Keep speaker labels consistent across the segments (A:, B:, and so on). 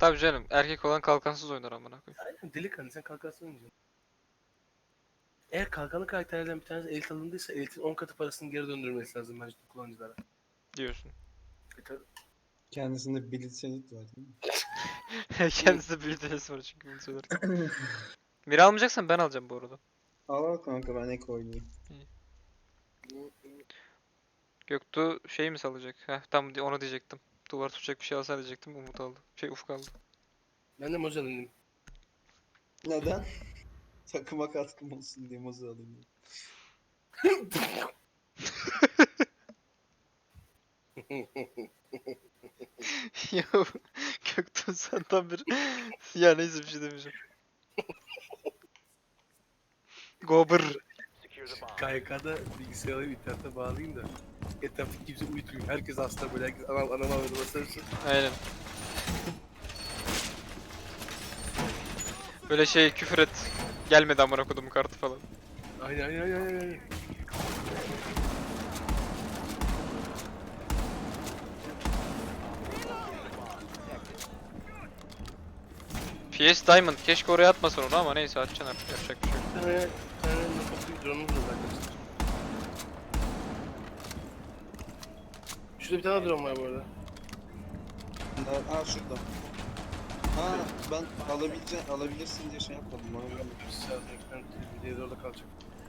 A: Tabii canım, erkek olan kalkansız oynar amına koyayım.
B: Aynen delikanlı sen kalkansın oynayacaksın. Eğer kalkanlı karakterlerden bir tanesi elit alındıysa elitin 10 katı parasını geri döndürmesi lazım bence kullanıcılara.
A: Diyorsun.
B: Tabii.
C: Kendisinde Bilit Senit var değil mi?
A: Kendisi de büyütesi var çünkü bunu söylerken. Mira almayacaksan ben alacağım bu arada.
C: Al kanka ben ek oynayayım.
A: Göktuğ şey mi salacak? Heh tam onu diyecektim. Duvar tutacak bir şey alsa diyecektim. Umut aldı. Ufuk aldı.
B: Ben de Mozart alayım.
C: Neden? Takıma katkım olsun diye mozu alayım.
A: Ya Göktuğ sen tam bir... Ya neyse bir şey demeyeceğim. Gober.
B: KYK'da bilgisayarı alayım internete bağlayayım da etrafta kimse uyutmuyor. Herkes hasta böyle herkes anam ağrıdı basarırsın.
A: Aynen. Böyle şey küfür et. Gelmedi amına kodumun kartı falan.
B: Aynen.
A: PS Diamond keşke oraya atmasın onu ama neyse atacaksın artık yapacak bir şey yok.
B: Bir tane nefes drone'umuz var arkadaşlar. Şurada bir tane drone var bu arada.
C: Aa şurada. Ha ben alabilirsin diye şey yapmadım. Bana geldi.
B: Diğeri de orada kalacak.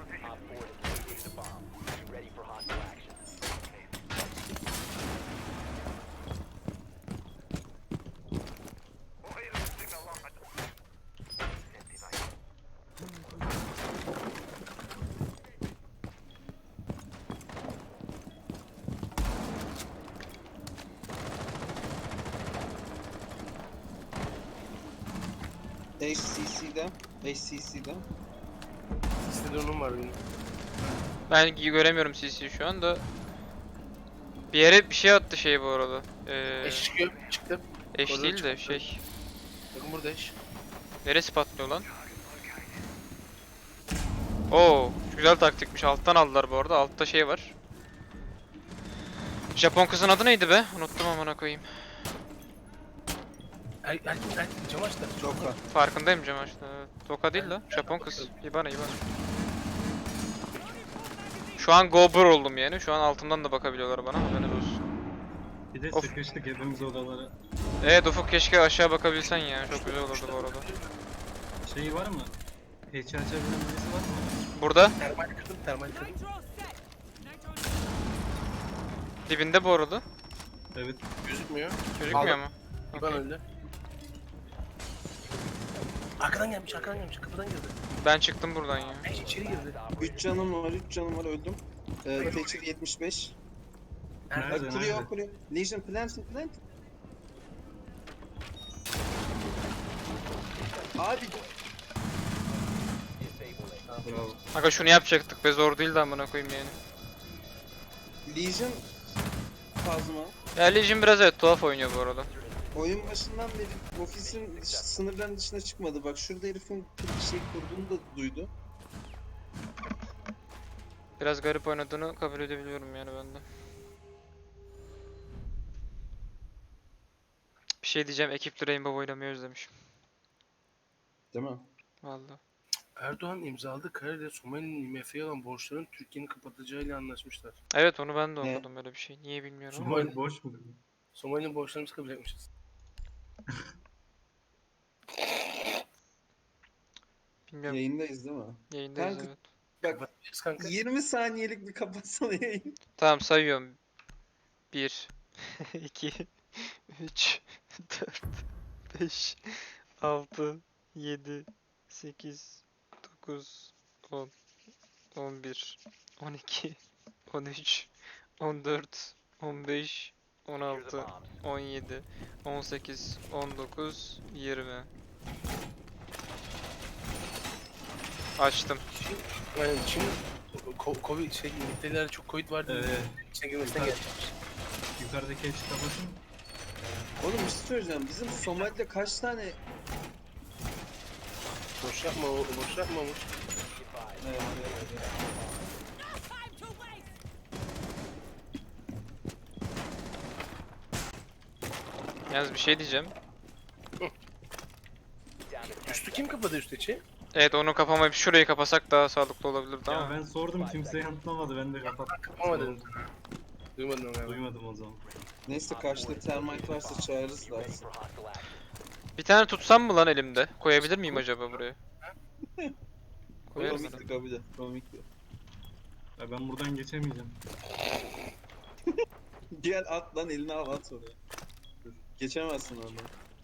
C: HCC'de.
B: Siste drone'um var benim.
A: Ben göremiyorum CC'yi şu anda. Bir yere bir şey attı şey bu arada.
B: Eş çıkıyor. Çıktı.
A: Eş
B: Orada
A: değil de
B: çıktı.
A: şey.
B: Bakın burada eş.
A: Neresi patlıyor lan? Oo, güzel taktikmiş. Alttan aldılar bu arada. Altta şey var. Japon kızın adı neydi be? Unuttum amına koyayım.
B: Erkin cam açtı.
C: Çok var.
A: Farkındayım Cemal. Toka değil la. Japon kız. İbana. Şu an Gober oldum yani. Şu an altımdan da bakabiliyorlar bana. Haberiniz olsun.
D: Bir de
A: Of.
D: sıkıştık hepimiz odalara.
A: Evet Ufuk keşke aşağı bakabilsen ya. Çok güzel olurdu bu arada.
D: Şey var mı? Hatch açabilen birisi var mı?
A: Burada.
B: Termal kırdım.
A: Dibinde bu arada.
D: Evet.
B: Gözükmüyor.
A: Gözükmüyor mu?
B: İban
A: Okey.
B: öldü. Arkadan gelmiş kapıdan girdi.
A: Ben çıktım buradan ya.
B: Eş içeri girdi.
C: 3 canım var öldüm. Thatcher 75.
D: Nerede?
C: Kuruyor.
D: Nerede?
C: Legion plant. Abi.
D: Bravo.
A: Aga şunu yapacaktık be zor değildi amına koyayım yani.
C: Legion kazma.
A: Ya Legion biraz evet tuhaf oynuyor bu arada.
C: Oyun başından beri ofisin sınırların dışına çıkmadı. Bak şurada herifin şey kurduğunu da duydu.
A: Biraz garip oynadığını kabul edebiliyorum yani ben de. Bir şey diyeceğim ekipli Rainbow oynamayı özlemişim.
C: Değil mi?
A: Vallahi.
B: Erdoğan imzaladığı kararıyla Somali'nin IMF'ye olan borçlarını Türkiye'nin kapatacağıyla anlaşmışlar.
A: Evet onu ben de
C: Ne?
A: okudum öyle bir şey. Niye bilmiyorum ama.
D: Somali boş mu?
B: Somali'nin borçlarını biz kabul etmişiz.
A: Bilmiyorum.
C: Yayındayız değil mi?
A: Yayındayız
C: Kanka,
A: evet.
C: Bak
B: Kapatmışız kanka.
C: 20 saniyelik bir kapatsana yayın.
A: Tamam sayıyorum. 1 2 3 4 5 6 7 8 9 10 11 12 13 14 15 16 17 18 19 20 Açtım.
B: Yani Çin Covid İngiltere'lerde çok Covid vardı.
D: Evet.
B: İçine girmesinden gelmiş.
D: Yukarıdaki hatch kapatın.
C: Oğlum bir şey söyleyeceğim. Bizim Somali'de kaç tane...
B: Boş yapma Umut.
A: Yalnız bir şey diyeceğim.
B: Hı. Üstü kim kapadı üst içi?
A: Evet, onu kapamayıp şurayı kapasak daha sağlıklı olabilirdi
D: Ya
A: ama.
D: ben sordum kimse yanıtlamadı. Ben de kapattım.
B: Kapama dedim. Duymadın onu galiba.
D: Duymadım o zaman.
C: Neyse karşıda termite varsa çağırırız lazım.
A: Bir tane tutsam mı lan elimde? Koyabilir miyim acaba buraya? Koyarım
C: Komikti
A: herhalde.
C: kabul et. Komikti.
D: Ya ben buradan geçemeyeceğim.
C: Gel at lan elini al at oraya. Dur. Geçemezsin oradan.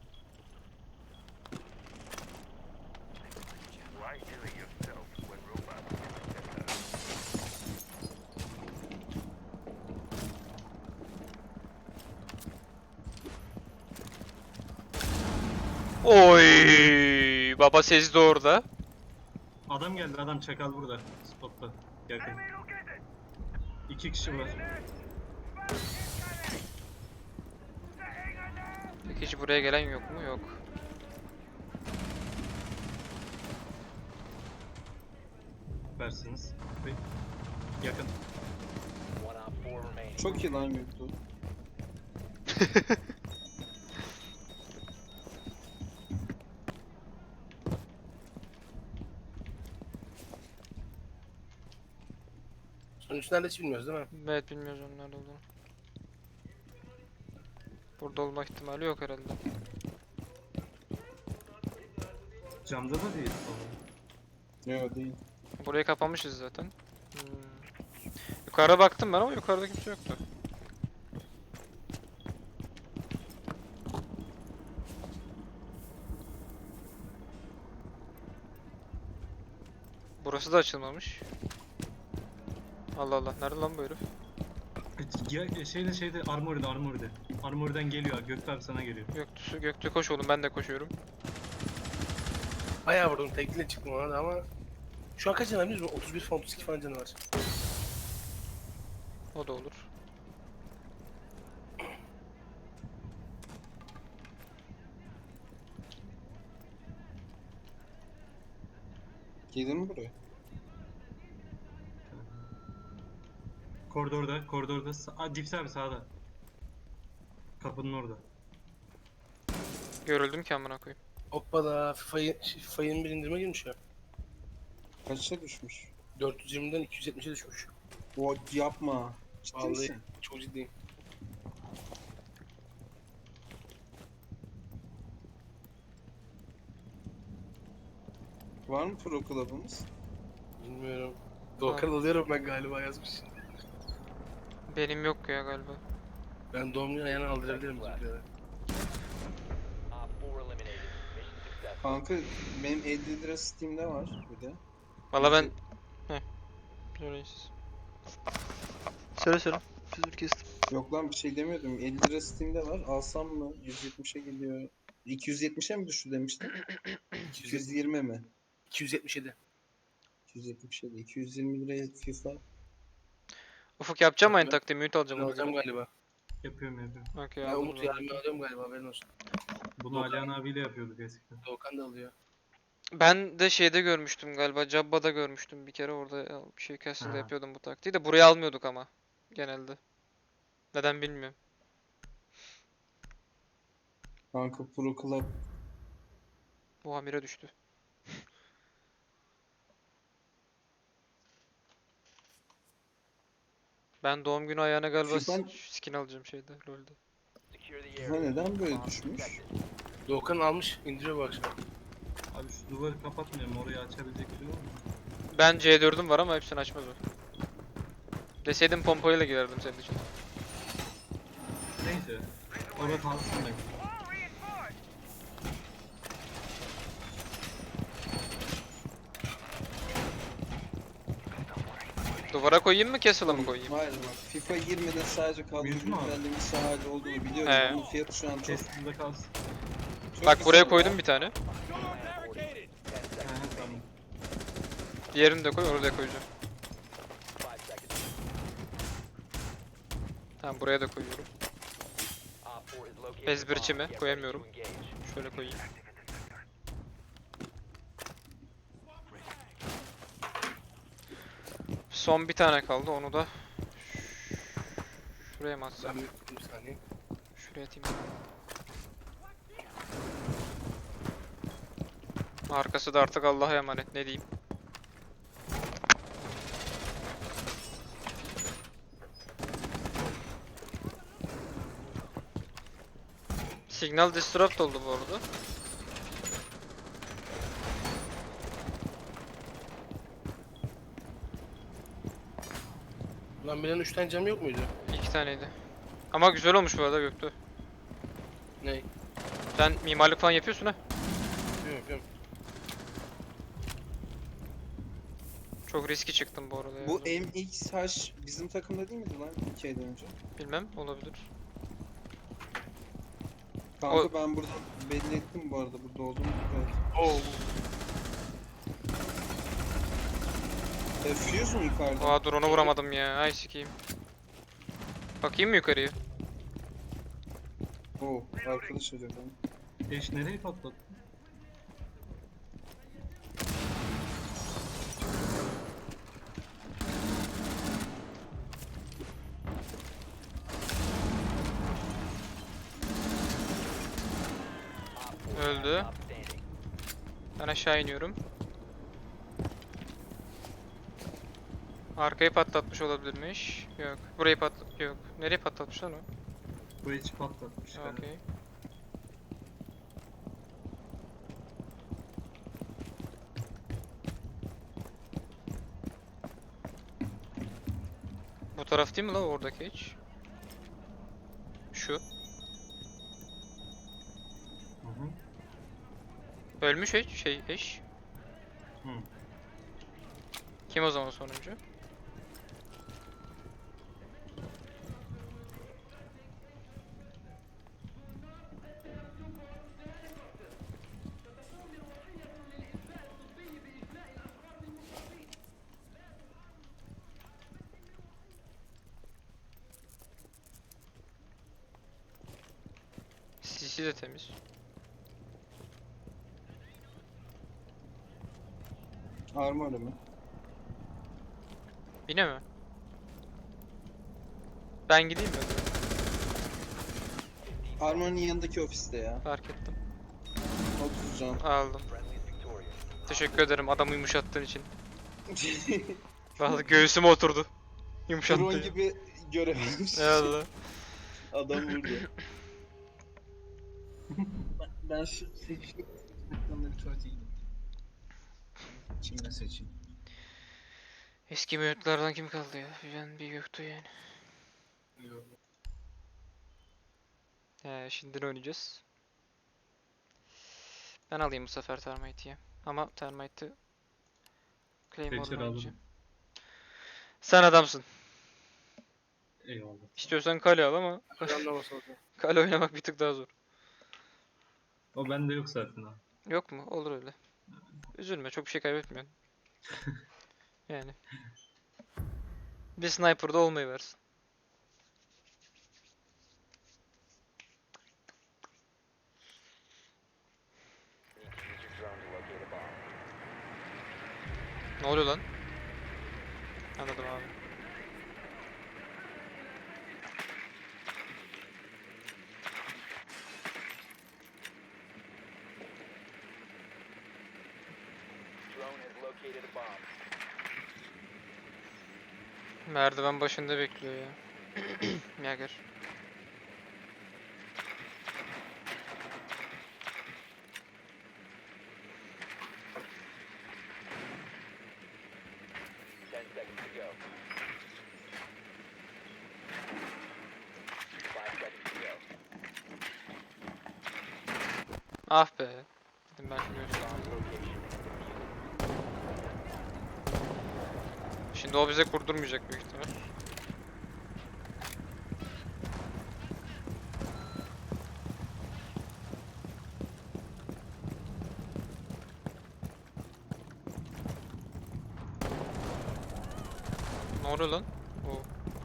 A: Oy! Baba sezdi orada.
D: Adam geldi, adam çakal burada. Spotta. Yakın. 2 kişi var.
A: Peki hiç buraya gelen yok mu? Yok.
D: Versiniz. Yakın.
C: Çok iyi lan Göktuğ.
B: Sonuç nerede hiç bilmiyoruz değil mi?
A: Evet, bilmiyoruz onun nerede olduğunu. Burada olma ihtimali yok herhalde.
D: Camda da değil.
C: Yok değil.
A: Burayı kapamışız zaten. Yukarıda baktım ben ama yukarıda kimse yoktu. Burası da açılmamış. Allah Allah, nerede lan bu herif?
D: Ya, şeyde armoride. Armoriden geliyor. Gökte abi sana geliyor.
A: Göktü koş oğlum, ben de koşuyorum.
B: Bayağı vurdum. Tekliyle çıktım ona da ama... Şu an kaç canı var biliyor musun? 31 falan 32 falan canı var.
A: O da olur.
C: Geldin mi buraya?
D: Koridorda. Dips abi sağda. Kapının orada.
A: Görüldüm ki amına koyayım.
B: Hoppala FIFA 21 indirime girmiş ya.
C: Kaçta düşmüş?
B: 420'den 270'e düşmüş.
C: O yapma. Ciddi
B: Vallahi
C: misin?
B: çok ciddiyim.
C: Var mı pro club'ımız?
B: Bilmiyorum. Doğukan alıyorum ben galiba yazmış.
A: Benim yok ya galiba.
B: Ben doğum günü ayağına aldırabilirim bizimkilere.
C: Kanka benim 50 lira Steam'de var bir de.
A: Valla ben... Heh. Söyleyin siz. Söyle. Sözünü kestim.
C: Yok lan bir şey demiyordum. 50 lira Steam'de var. Alsam mı? 170'e geliyor. 270'e mi düştü demiştin? 220 mi?
B: 277.
C: 277. 220 liraya FIFA.
A: Ufuk yapacağım mı aynı
B: Ben-
A: taktiği? Mute
B: Ben
A: alacağım ona
B: alacağım
A: göre.
B: galiba.
D: Yapıyorum.
A: Okey,
B: Ben
A: aldım
B: Umut
A: zaten.
B: yardım alıyorum galiba haberin olsun.
D: Bunu
B: Doğukan-
D: Alihan abiyle yapıyorduk eskiden.
B: Doğukan da alıyor.
A: Ben de şeyde görmüştüm galiba. Jabba'da görmüştüm bir kere, orada bir şey Castle'da
D: Ha.
A: yapıyordum bu taktiği de buraya almıyorduk ama genelde. Neden bilmiyorum.
C: Kanka pro club.
A: Bu Amir'e düştü. Ben doğum günü ayağına galiba
C: FIFA
A: skin alacağım şeyde, LoL'de.
C: FIFA neden böyle düşmüş?
B: Doğukan almış indiriyor bu akşam.
D: Abi şu duvarı kapatmayalım. Orayı açabilecek biri var mı?
A: Ben C4'üm var ama hepsini açmaz o. Deseydim pompayla girerdim senin için.
D: Neyse. Orada kalsın da.
A: Duvara koyayım mı, Castle'a mı koyayım?
C: Hayır bak FIFA 20'de sadece kadro
D: Mümkün mü abi?
C: güncellemesi hali olduğunu biliyorum.
A: He.
C: Onun fiyatı şu an çok,
D: Kestimde kalsın.
C: çok
A: Bak buraya
C: güzel
A: koydum
C: ya.
A: bir tane.
D: He tamam.
A: Diğerini de koy, oraya koyacağım. Tamam, buraya da koyuyorum. Ezberçi mi? Koyamıyorum. Şöyle koyayım. Son bir tane kaldı, onu da şuraya mı atsam?
B: Ben bir saniye.
A: Şuraya atayım. Arkası da artık Allah'a emanet, ne diyeyim. Signal disrupt oldu bu arada.
B: Lan benim 3 tane cam yok muydu?
A: 2 taneydi. Ama güzel olmuş bu arada Göktuğ.
B: Ne?
A: Sen mimarlık falan yapıyorsun ha.
B: Yapıyorum yapıyorum.
A: Çok riski çıktım bu arada ya.
C: Bu MXH bizim takımda değil miydi lan 2 aydan önce?
A: Bilmem, olabilir.
C: Kanka
A: O-
C: ben burada belli ettim bu arada burada olduğumu. Evet.
B: Oo.
C: Fuse mu yukarıda?
A: Aa, drone'u vuramadım ya. Ay sikeyim. Bakayım mı yukarıya?
C: Oo, arkadaş arıyor beni.
D: Eş nereyi patlattı?
A: Öldü. Ben aşağı iniyorum. Arkayı patlatmış olabilirmiş. Yok. Burayı Yok. Nereye patlatmış lan o?
D: Bu hiç patlatmış. galiba.
A: Okey. Bu taraf değil mi lan oradaki hiç? Şu.
D: Hı hı.
A: Ölmüş hiç eş.
D: Hı.
A: Kim o zaman sonuncu? CC de temiz.
C: Armor mı?
A: Yine mi? Ben gideyim mi?
C: Armor'un yanındaki ofiste ya.
A: Fark ettim.
C: 30 can.
A: Aldım. Teşekkür ederim adamı yumuşattığın için. Vallahi göğsüme oturdu. Yumuşattı.
C: Drone gibi görev almış.
A: Eyvallah.
C: Adam vurdu. Ben şu seçim ekranları tuvaleteyim. Kimle seçeyim?
A: Eski mevcutlardan kim kaldı ya? Ben bir yoktu yani. Şimdi ne oynayacağız? Ben alayım bu sefer Termite'i ya. Ama Termite'ı Claymore'la
D: Seçer
A: oynayacağım.
D: alırım.
A: Sen adamsın.
D: Eyvallah.
A: İstiyorsan kale al ama
B: Anlaması oldu.
A: kale oynamak bir tık daha zor.
D: O bende yok zaten ha.
A: Yok mu? Olur öyle. Üzülme, çok bir şey kaybetmiyorsun. Yani. Bir sniper'da olmayı versin. Ne oluyor lan? Anladım abi. Merdiven başında bekliyor ya. Yager. Ah be. Dedim ben şimdi Şimdi o bize kurdurmayacak büyük ihtimal. Ne oluyor lan? Oo.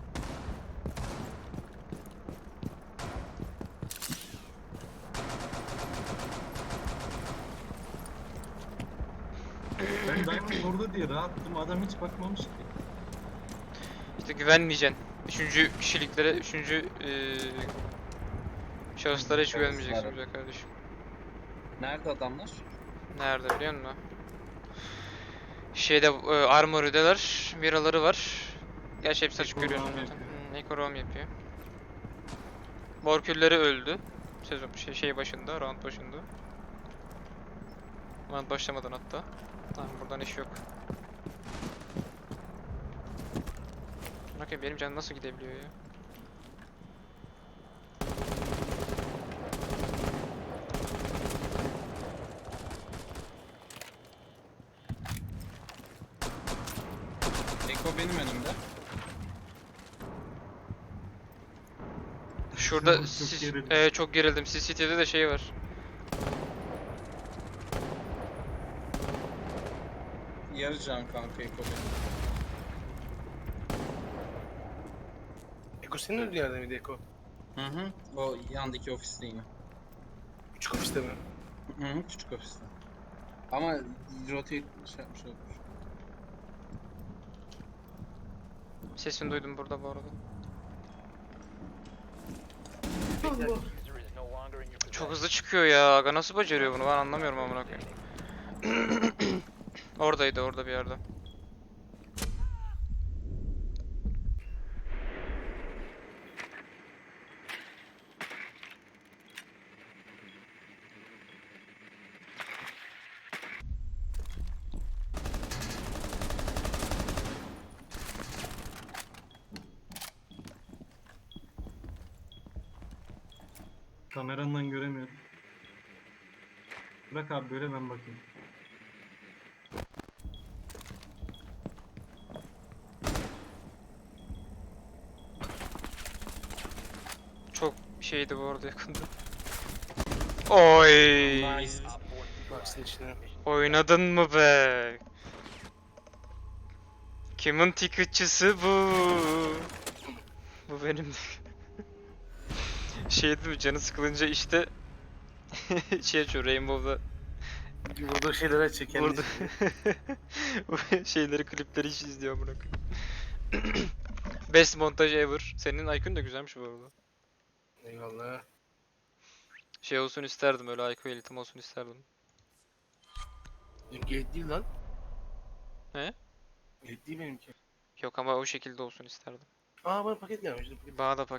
D: Ben Diamond orada diye rahattım. Adam hiç bakmamış ki.
A: İşte güvenmeyeceksin. Üçüncü kişiliklere, şahıslara hiç güvenmeyeceksin
C: Şahıslara.
A: güzel kardeşim.
C: Nerede adamlar?
A: Nerede biliyor musun? Şeyde Armory'deler. Viraları var. Gerçi hepsi açık
D: Eko
A: görüyorsun
D: roam
A: zaten.
D: yapıyor.
A: Eko roam yapıyor. Morkülleri öldü. Sezon şey başında, round başında. Round başlamadan hatta. Tamam buradan iş yok. Bakayım benim canım nasıl gidebiliyor ya?
C: Eko benim önümde.
A: Şurada
D: Çok
A: sis,
D: gerildim.
A: çok gerildim. CCTV'de de şey var.
C: Yarı can kanka Eko benim.
B: Eko senin öldüğün yerde miydi Eko?
C: Hı hı. O yandaki ofiste yine.
B: Küçük ofiste mi?
C: Hı hı. Küçük ofiste. Ama rotate şey yapmış olmuş.
A: Sesini duydum burada bu arada. Çok hızlı çıkıyor ya. Aga nasıl beceriyor bunu? Ben anlamıyorum amına koyayım. Oradaydı orada bir yerde.
D: Kamerandan göremiyorum. Bırak abi böyle ben bakayım.
A: Çok şeydi bu arada yakında. Oy!
C: Nice.
B: Baksın içine.
A: Oynadın mı be? Kimin ticketçısı bu? Bu benim. Şey değil mi? Canı sıkılınca işte şey açıyor Rainbow'da
B: Burada şeyler açıyor kendisi.
A: burada bu şeyleri klipleri hiç izliyor amına koyayım. Best montaj ever. Senin IQ'un da güzelmiş bu arada.
B: Eyvallah.
A: Şey olsun isterdim öyle IQ elitim olsun isterdim.
B: Benimki et değil lan.
A: He?
B: Et değil benimki.
A: Yok ama o şekilde olsun isterdim.
B: Aa bana paket gelmiş. Dur, paket.
A: Bana da